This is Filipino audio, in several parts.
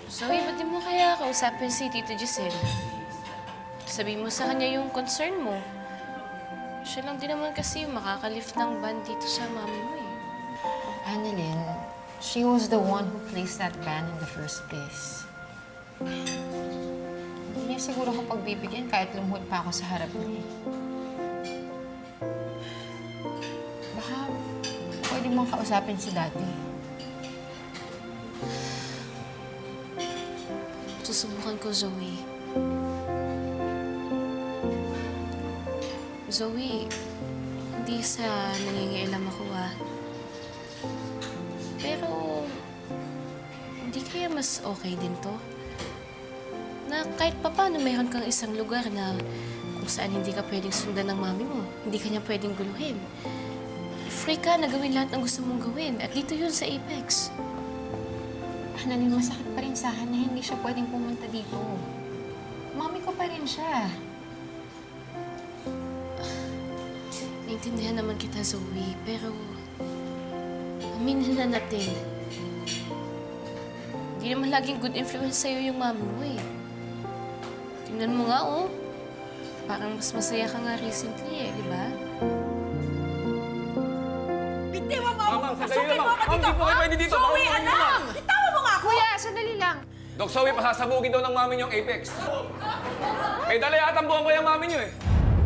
Zoe, ba't di mo kaya kausapin si Tito Giselle? Sabihin mo sa kanya yung concern mo. Siya lang din naman kasi yung makakalift ng ban dito sa mami mo eh. Annalyn, she was the one who placed that ban in the first place. Hindi niya siguro ako pagbibigyan kahit lumuhod pa ako sa harap niya. Baka pwede mong kausapin si Daddy. Susubukan ko, Zoe. Zoe, hindi sa nangingialam ako Pero, hindi kaya mas okay din to? Na kahit papaano mayroon kang isang lugar na kung saan hindi ka pwedeng sundan ng mami mo, hindi ka niya pwedeng guluhin. Free ka na gawin lahat ng gusto mong gawin. At dito yun sa Apex. Annalyn, masakit pa rin sa akin na hindi siya pwedeng pumunta dito. Mami ko pa rin siya. Naintindihan naman kita, Zoe, pero aminin na natin. Hindi naman laging good influence sa'yo yung mami mo eh. Tingnan mo nga, oh. Parang mas masaya ka nga recently eh, di ba? Bitiwan mo! Mama, Pasukin sandali mo lang. ako Ma'am, dito! di po kayo ha? pwede dito. Zoe, Baka anak! Bitawan mo nga ako! Kuya, sandali lang. Dok Zoe, pasasabugin daw ng mami niyo ang Apex. May dala yata ang buwan ko yung mami niyo eh.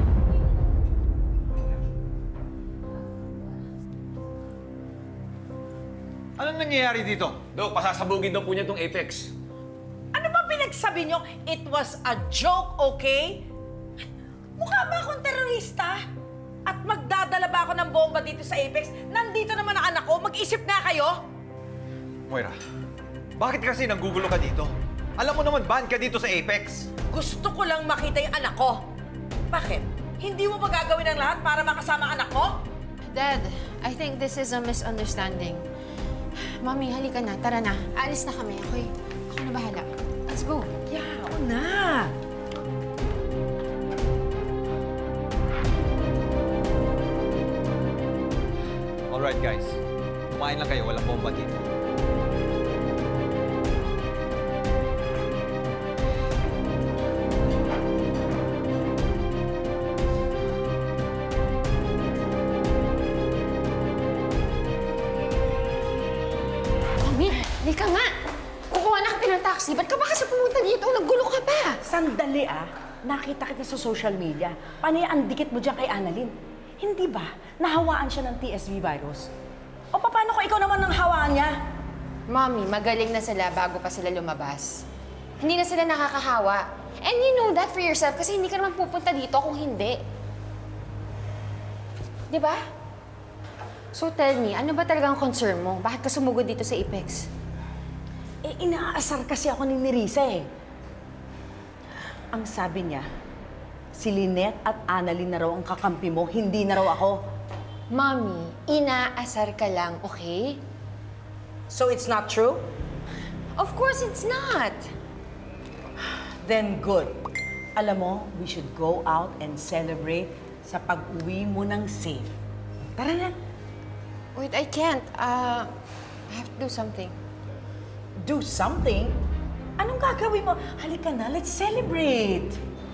Anong nangyayari dito? Dok, pasasabugin daw po niya itong Apex. Ano ba pinagsabi niyo? It was a joke, okay? Mukha ba akong terorista? At magdadala ba ako ng bomba dito sa Apex? Nandito naman ang anak ko. Mag-isip nga kayo. Moira, bakit kasi nanggugulo ka dito? Alam mo naman, ban ka dito sa Apex. Gusto ko lang makita yung anak ko. Bakit? Hindi mo ba gagawin ang lahat para makasama ang anak ko? Dad, I think this is a misunderstanding. Mami, halika na. Tara na. Alis na kami, okay? Ako na bahala. Let's go. Yeah, oo na. Alright guys, kumain lang kayo, walang bomba dito. Mami, halika nga. Kukuha na kita ng taxi. Ba't ka ba kasi pumunta dito? Naggulo ka pa. Sandali nakita kita sa social media. Panay ang dikit mo dyan kay Annalyn. Hindi ba nahawaan siya ng TSV virus? O paano kung ikaw naman ang hawaan niya? Mami, magaling na sila bago pa sila lumabas. Hindi na sila nakakahawa. And you know that for yourself kasi hindi ka naman pupunta dito kung hindi. Di ba? So tell me, ano ba talagang concern mo? Bakit ka sumugod dito sa Apex? Eh, inaasar kasi ako ni Nerissa eh. Ang sabi niya, si Lynette at Annalyn na raw ang kakampi mo, hindi na raw ako. Mami, inaasar ka lang, okay? So it's not true? Of course it's not. Then good. Alam mo, we should go out and celebrate sa pag-uwi mo ng safe. Tara na. Wait, I can't. I have to do something. Do something? Anong gagawin mo? Halika na, let's celebrate.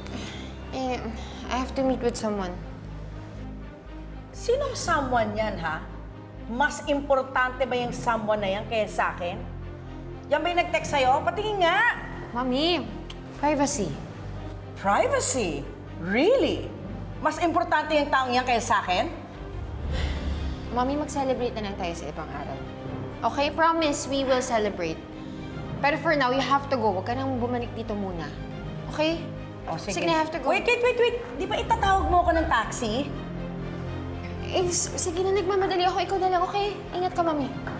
I have to meet with someone. Sinong someone yan, ha? Mas importante ba yung someone na yan kaya sa akin? Yan ba yung nag-text sa'yo? Patingin nga! Mami, privacy. Privacy? Really? Mas importante yung taong yan kaya sa akin? Mami, mag-celebrate na lang tayo sa ibang araw. Okay, promise, we will celebrate. Pero for now, you have to go. Huwag ka nang bumalik dito muna. Okay? O, Sige na, I have to go. Wait. Di ba itatawag mo ako ng taxi? Sige na, nagmamadali ako. Ikaw na lang, okay? Ingat ka, Mami.